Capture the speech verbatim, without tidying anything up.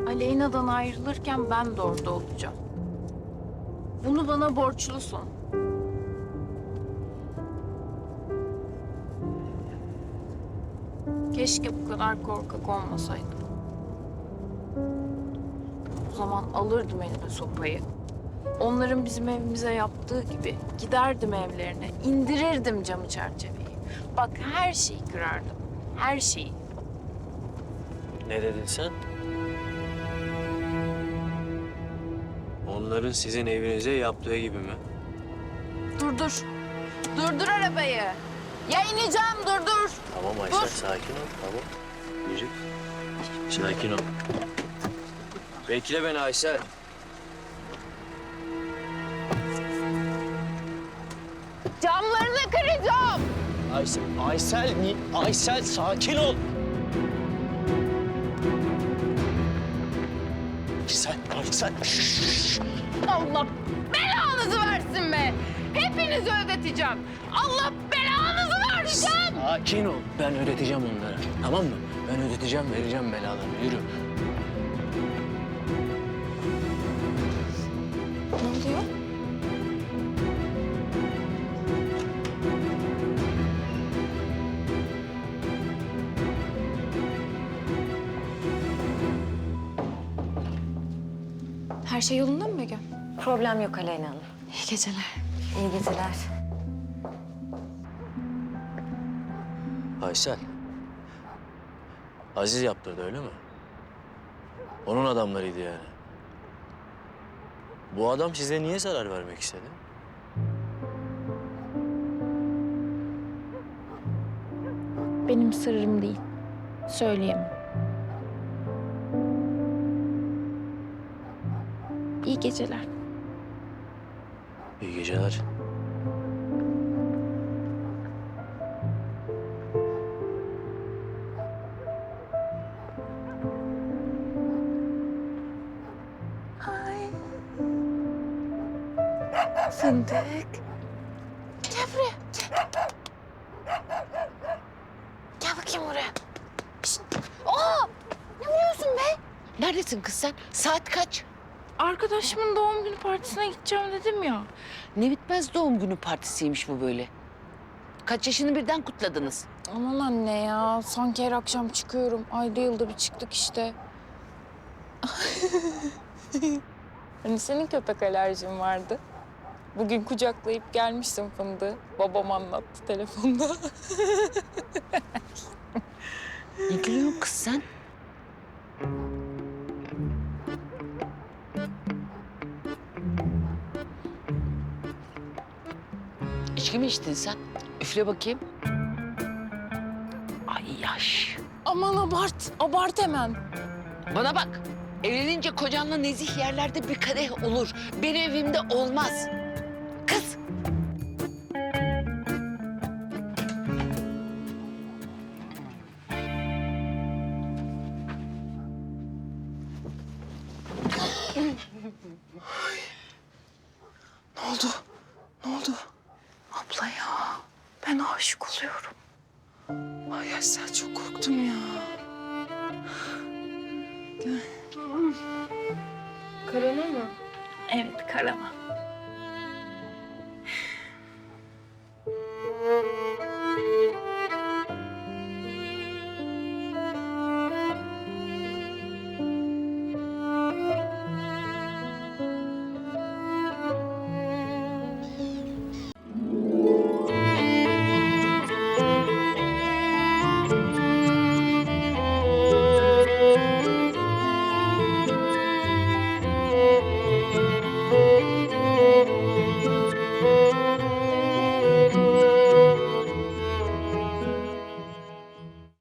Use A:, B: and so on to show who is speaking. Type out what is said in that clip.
A: Aleyna'dan ayrılırken ben de orada olacağım. Bunu bana borçlusun. Keşke bu kadar korkak olmasaydım. O zaman alırdım elime sopayı. Onların bizim evimize yaptığı gibi giderdim evlerine, indirirdim camı çerçeveyi. Bak her şeyi kırardım, her şeyi.
B: Ne dedin sen? Onların sizin evinize yaptığı gibi mi?
A: Dur dur, durdur arabayı. Ya ineceğim, dur dur.
B: Tamam Aysel,
A: Dur.
B: sakin ol. Tamam. Yürü. Sakin ol. Bekle beni Aysel.
A: Camlarını kıracağım.
B: Aysel, Aysel, ni- Aysel sakin ol. Aysel, Aysel. Şşş.
A: Allah belanızı versin be. Hepinizi ödeteceğim. Allah belanızı versin.
B: Sakin ol. Ben ödeteceğim onlara. Tamam mı? Ben ödeteceğim, vereceğim belalarını. Yürü.
A: Ne oluyor? Her şey yolunda mı Begüm?
C: Problem yok Aleyna Hanım.
A: İyi geceler.
C: İyi geceler.
B: Aysel. Aziz yaptırdı öyle mi? Onun adamlarıydı yani. Bu adam size niye zarar vermek istedi?
A: Benim sırrım değil. Söyleyemem. İyi geceler.
B: İyi geceler.
A: Ay. Fındık. Gel buraya. Gel. Gel bakayım buraya. Şişt. Aa! Ne vuruyorsun be?
D: Neredesin kız sen? Saat kaç?
A: Arkadaşımın doğum günü partisine gideceğim dedim ya.
D: Ne bitmez doğum günü partisiymiş bu böyle. Kaç yaşını birden kutladınız?
A: Aman anne ya. Sanki her akşam çıkıyorum. Ayda yılda bir çıktık işte. Hani senin köpek alerjin vardı. Bugün kucaklayıp gelmişsin fındığı. Babam anlattı telefonda.
D: Ne gülüyorsun kız sen? İçki mi içtin sen? Üfle bakayım. Ay yaş.
A: Aman abart, abart hemen.
D: Bana bak. Evlenince kocanla nezih yerlerde bir kadeh olur. Benim evimde olmaz. Kız.
A: Ne oldu? Ne oldu? Abla ya, ben aşık oluyorum. Ay Aysel çok korktum ya. Gel. Karana mı? Evet, karama.